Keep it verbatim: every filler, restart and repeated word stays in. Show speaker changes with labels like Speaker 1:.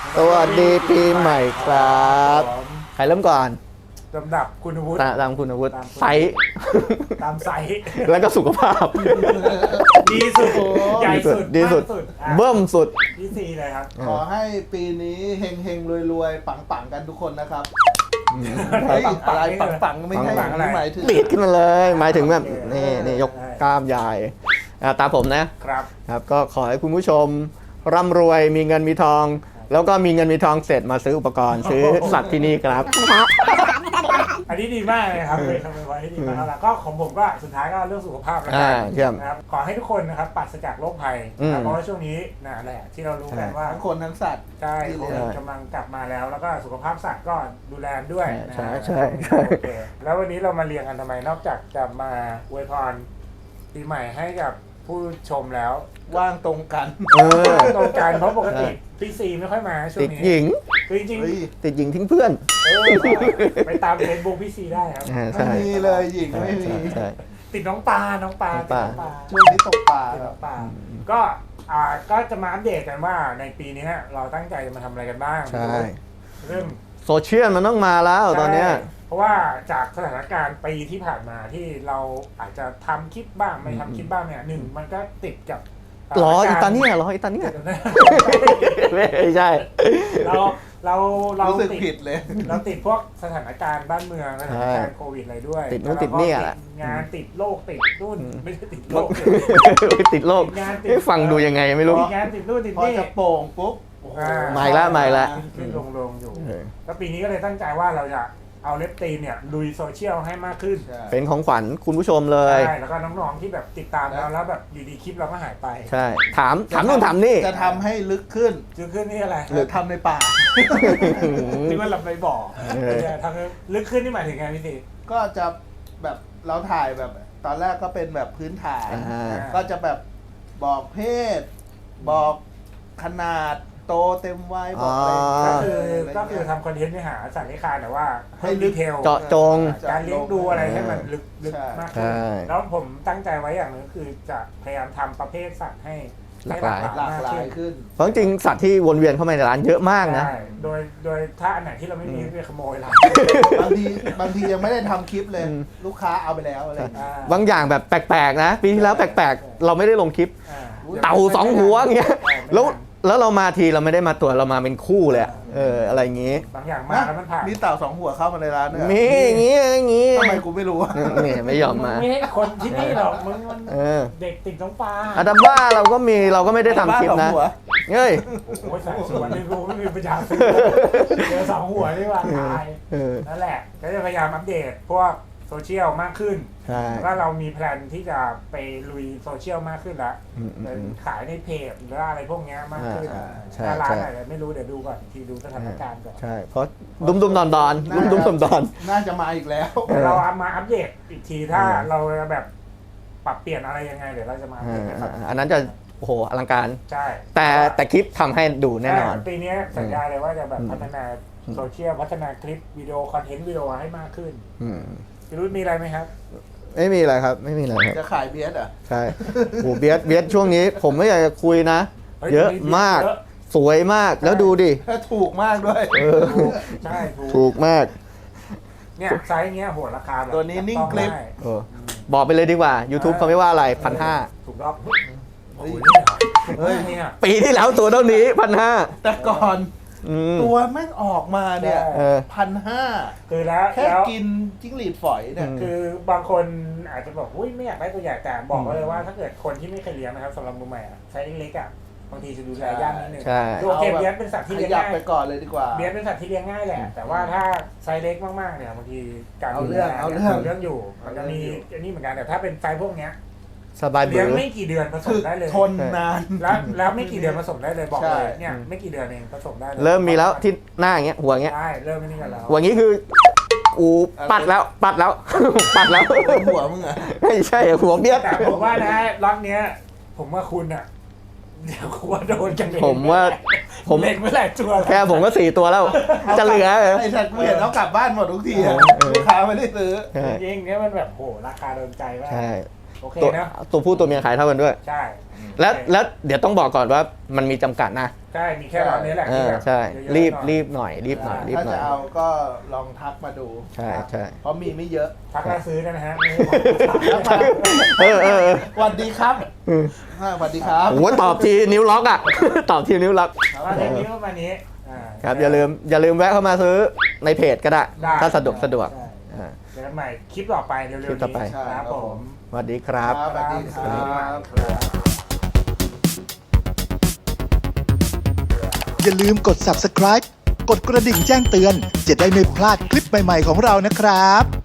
Speaker 1: สวัสดีปีใหม่ครับใครเริ่มก่อน
Speaker 2: ลำดับคุณวุฒิ
Speaker 1: ตามตามคุณวุฒิไซส์
Speaker 2: ตามไซส์
Speaker 1: แล้วก็สุขภาพ
Speaker 2: ดีสุดใหญ่สุด
Speaker 1: ดีสุดเบิ่มสุด
Speaker 2: ที่สี่เลยครับ
Speaker 3: ขอให้ปีนี้เฮงเฮงรวยรวยปังปังกันทุกคนนะครับอะไรปังปังไม่ใช่อะไรหมายถึง
Speaker 1: ปีดขึ้นมาเลยหมายถึงแบบนี่นี่ยกกล้ามใหญ่ตามผมนะครับครับก็ขอให้คุณผู้ชมร่ำรวยมีเงินมีทองแล้วก็มีเงินมีทองเสร็จมาซื้ออุปกรณ์ซื้อสัตว์ที่นี่ครับ
Speaker 2: อันนี้ดีมากเลยครับเป็นคำไว้ที่ดีมากแล้วก็ของผมก็สุดท้ายก็เรื่องสุขภาพแล้วกันนะครับขอให้ทุกคนนะครับปราศจากโรคภัยเพราะว่าช่วงนี้น่ะแหละที่เรารู้กันว่า
Speaker 3: ทั้งคนทั้งสัตว์
Speaker 2: ใช่กำลังกลับมาแล้วแล้วก็สุขภาพสัตว์ก็ดูแลด้วย
Speaker 1: ใช่ใช่
Speaker 2: แล้ววันนี้เรามาเรียงกันทำไมนอกจากจะมาอวยพรปีใหม่ให้กับผู้ชมแล้ว
Speaker 3: ว่างตรงกัน
Speaker 2: ตรงกันเพราะปกติพี่ซีไม่ค่อยมาช่วงนี้
Speaker 1: ติดหญิง
Speaker 2: จริง
Speaker 1: ๆติดหญิงทิ้งเพื่อน
Speaker 2: ไปตามเฟซบุ๊กพี่ซีได้ครับ
Speaker 3: ไม่มีเลยหญิงไม่มี
Speaker 2: ติดน้องปลาน้องปลา
Speaker 3: ช่วงนี้ตกปลา
Speaker 2: น้องปลาก็อ่าก็จะมาอัปเดตกันว่าในปีนี้เราตั้งใจจะมาทำอะไรกันบ้าง
Speaker 1: ใช่
Speaker 2: เรื่อง
Speaker 1: โซเชียลมันต้องมาแล้วตอนนี้
Speaker 2: เพราะว่าจากสถานการณ์ปีที่ผ่านมาที่เราอาจจะทำคลิปบ้างไม่ทำคลิปบ้างเนี่ยหนึ่งมันก็ติดกับ
Speaker 1: รออีตาเนี่ยรออีตาเนี่ยไม่ใช่
Speaker 2: เราเราเรา
Speaker 3: ติดผิดเลย
Speaker 2: เราติดพวกสถานการณ์บ้านเมืองสถานการณ์โควิดอะไรด้วย
Speaker 1: ติดนู่นติดนี่แหละ
Speaker 2: งานติดโรคติดนู่นไม่ใช่ติดโรค
Speaker 1: ติดโรคงานติดฟังดูยังไงไม่รู้
Speaker 2: งานติดนู่นติด
Speaker 3: นี่พอจะโป่งปุ๊บ
Speaker 1: ใหม่ละใหม่ละ
Speaker 2: ขึ้นลงลงอยู่แล้วปีนี้ก็เลยตั้งใจว่าเราจะเอาเล็บตีนเนี่ยลุยโซเชียลให้มากขึ้น
Speaker 1: เป็นของขวัญคุณผู้ชมเลย
Speaker 2: ใช่แล้วก็น้องๆที่แบบติดตามเราแล้วแบบอยู่ดีคลิปเราก็หายไป
Speaker 1: ใช่ถามถามนู่นถามนี่
Speaker 3: จะทำให้ลึกขึ้น
Speaker 2: ลึกขึ้นนี่อะไร
Speaker 3: หรือทำในป่า
Speaker 2: ที่ว่าเราไปบอกทำลึกขึ้นนี่หมายถึงไงพี่สิ
Speaker 3: ก็จะแบบเราถ่ายแบบตอนแรกก็เป็นแบบพื้นฐานก็จะแบบบอกเพศบอกขนาดโตเต็มวัยบอกอะไร
Speaker 2: ก็คือก็คือทำคอนเทนต์เนื้อหาสัตว์เลี้ยงคานแต่ว่าให้ดีเทล
Speaker 1: เจาะจง
Speaker 2: การเลี้ยงดูอะไรให้มันลึกๆมากขึ้นแล้วผมตั้งใจไว้อย่างนึงคือจะพยายามทำประเภทสัตว์ให้
Speaker 1: หลากหลาย
Speaker 3: หลากหลายขึ้น
Speaker 1: เพราะจริงสัตว์ที่วนเวียนเข้ามาในร้านเยอะมากนะ
Speaker 2: โดยโดยถ้าอันไหนที่เราไม่มีไปขโมยร้าน
Speaker 3: บางทีบางทียังไม่ได้ทำคลิปเลยลูกค้าเอาไปแล้วอะไร
Speaker 1: บางอย่างแบบแปลกๆนะปีที่แล้วแปลกๆเราไม่ได้ลงคลิปเต่าสองหัวเงี้ยแล้วแล้วเรามาทีเราไม่ได้มาตัวเรามาเป็นคู่เลยเอออะไรอย่างงี้
Speaker 2: บางอย่างมาแล้วมันผ่าน
Speaker 3: มีเต่าสองหัวเข้ามาในร้านเนี่ย
Speaker 1: มีอย่างงี้อย่างงี้
Speaker 3: ทำไมกูไม่รู้
Speaker 1: นี่ไม่ยอมมา
Speaker 2: ไม่ให้คนที่นี่หรอกมึงมันเด็กติดน้องปลา
Speaker 1: อะดัมบ้าเราก็มีเราก็ไม่ได้ทำคลิปนะเฮ้ย
Speaker 2: โอ้ยสายสวนนี่กูไม่มีปัญญาซื้อเจอสองหัวนี่ว่าตายนั่นแหละก็จะพยายามอัปเดตพวกโซเชียลมากขึ้นแล้วเรามีแพลนที่จะไปลุยโซเชียลมากขึ้นแล้วขายในเพจหรืออะไรพวกนี้มากขึ้นถ้าร้านอะไรไม่รู้เดี๋ยวดูก่อนทีดูสถานการณ์ก่อน
Speaker 1: ใช่เพราะดุมดุมดอนดอนดุมดุมดอนดอน
Speaker 3: น่าจะมาอีกแล้ว
Speaker 2: เราเอามาอัปเดตอีกทีถ้าเราแบบปรับเปลี่ยนอะไรยังไงเดี๋ยวเราจะมา
Speaker 1: อันนั้นจะโอ้โหอลังการ
Speaker 2: ใช่
Speaker 1: แต่แต่คลิปทำให้ดูแน่นอน
Speaker 2: ปีนี้สัญญาเลยว่าจะแบบพัฒนาโซเชียลพัฒนาคลิปวิดีโอคอนเทนต์วิดีโอให้มากขึ้นพี่รุ่นมีอะไรไหมครับ
Speaker 1: ไม่มีอะไรครับไม่มีอะไรครับ
Speaker 3: จะขายเบียร์อ่ะ
Speaker 1: ใช่โหเบียร์เบียร์ช่วงนี้ผมไม่อยากจะคุยนะเยอะมากสวยมากแล้วดูดิ
Speaker 3: ถูกมากด้วย
Speaker 2: ใช่
Speaker 1: ถูกมาก
Speaker 2: เนี่ยไซส์เงี้ยโหราคาแบบ
Speaker 3: ตัวนี้นิ่งคลิป
Speaker 1: บอกไปเลยดีกว่า YouTube เขาไม่ว่าอะไรพันห้า
Speaker 2: ถูกต้อง
Speaker 3: เฮ้ย
Speaker 1: ปีที่แล้วตัวเท่านี้พันห้า
Speaker 3: แต่ก่อนตัวแม่งออกมาเนี่ยพันห้า
Speaker 2: คือแล้ว
Speaker 3: แค่กินจิ้งหรีดฝอยเนี่ย
Speaker 2: คือบางคนอาจจะบอกอุ้ยไม่อยากได้ตัวใหญ่แต่บอกเลยว่าถ้าเกิดคนที่ไม่เคยเลี้ยงนะครับสำหรับมือใหม่อ่ะไซส์เล็กๆอ่ะบางทีจะดูแลยากนิดนึงโอเคเบียร์เป็นสัตว์ที่เลี้ยงง่าย
Speaker 3: ไปก่อนเลยดีกว่า
Speaker 2: เบียร์เป็นสัตว์ที่เลี้ยงง่ายแหละแต่ว่าถ้าไซส์เล็กมากๆเนี่ยบางทีการ
Speaker 3: เอาเรื่องเอาเรื่อง
Speaker 2: เรื่องอยู่มันจะมีอันนี้เหมือนกันแต่ถ้าเป็นไซส์พวกเนี้ย
Speaker 1: สบาย
Speaker 2: เลี้ยงไม่กี่เดือนผสมได้เลย
Speaker 3: ทนนาน
Speaker 2: แล้วแล้วไม่กี่เดือนผสมได้เลยบอกเลยเนี่ยไม่กี่เดือนเองผสมได้
Speaker 1: เริ่มมีแล้วที่หน้าอย่างเงี้ยหัวอย่างเงี้ย
Speaker 2: ใช่เริ่มนี่กันแล้ว
Speaker 1: หัวอย่างงี้คืออูปัดแล้วปัดแล้วปัดแล้ว
Speaker 3: หัวมึงอะ
Speaker 1: ไม่ใช่หัวเบี้ย
Speaker 2: แต่ผมว่านะล็อตเนี้ยผมว่าคุณอะเดี๋ยวคุณว่าโดนกันเอง
Speaker 1: ผมว่า
Speaker 2: ผมเล็กไม่แหลกตัว
Speaker 1: แค่ผมก็สี่ตัวแล้วจะเหลือ
Speaker 3: ไอ้สัตว์เห็นเขากลับบ้านหมดทุกทีลูกค้าไม่ได้ซื้อ
Speaker 2: จริงๆเนี่ยมันแบบโหราคาโดนใจมาก
Speaker 1: ใช่
Speaker 2: โอเคนะ
Speaker 1: ตัวผู้ตัวเมียขายเท่ากันด้วย
Speaker 2: ใช่
Speaker 1: แล้วแล้วเดี๋ยวต้องบอกก่อนว่ามันมีจำกัดนะ
Speaker 2: ใช่มีแค่ร้านนี้แหละ
Speaker 1: เอ
Speaker 2: ที่
Speaker 1: อ
Speaker 2: แบบ
Speaker 1: ใช่
Speaker 2: เยอะๆ
Speaker 1: รีบ
Speaker 2: หน่อย
Speaker 1: รีบหน่อยรีบหน่อยรีบ
Speaker 3: ถ้า
Speaker 1: หน่อ
Speaker 3: จะ
Speaker 1: ย
Speaker 3: เอาก็ลองทักมาดู
Speaker 1: ใช่ใช่
Speaker 3: เพราะมีไม่เยอะ
Speaker 2: พักแล้วซื้อได้นะฮะ
Speaker 1: เออเออเออ
Speaker 3: สวัสดีครับ
Speaker 1: อืม
Speaker 3: อ่าสวัสดีครับ
Speaker 1: โอ้โหตอบทีนิ้วล็อกอ่ะ ตอบทีนิ้วล็อก
Speaker 2: แล้วเทปนี้ประมาณนี้อ่า
Speaker 1: ครับอย่าลืมอย่าลืมแวะเข้ามาซื้อในเพจก็ได้
Speaker 2: ได้
Speaker 1: ถ้าสะดวกสะดวก
Speaker 3: ใช่
Speaker 1: อ่า
Speaker 2: เจอกันใหม่คลิปต่อไปเร็วๆ
Speaker 1: คลิปต่อไป
Speaker 2: นี้ครับผม
Speaker 1: สวัสดีครับ
Speaker 3: สวัสดีครับ
Speaker 4: อย่าลืมกด ซับสไครบ์ กดกระดิ่งแจ้งเตือน จะได้ไม่พลาดคลิปใหม่ๆของเรานะครับ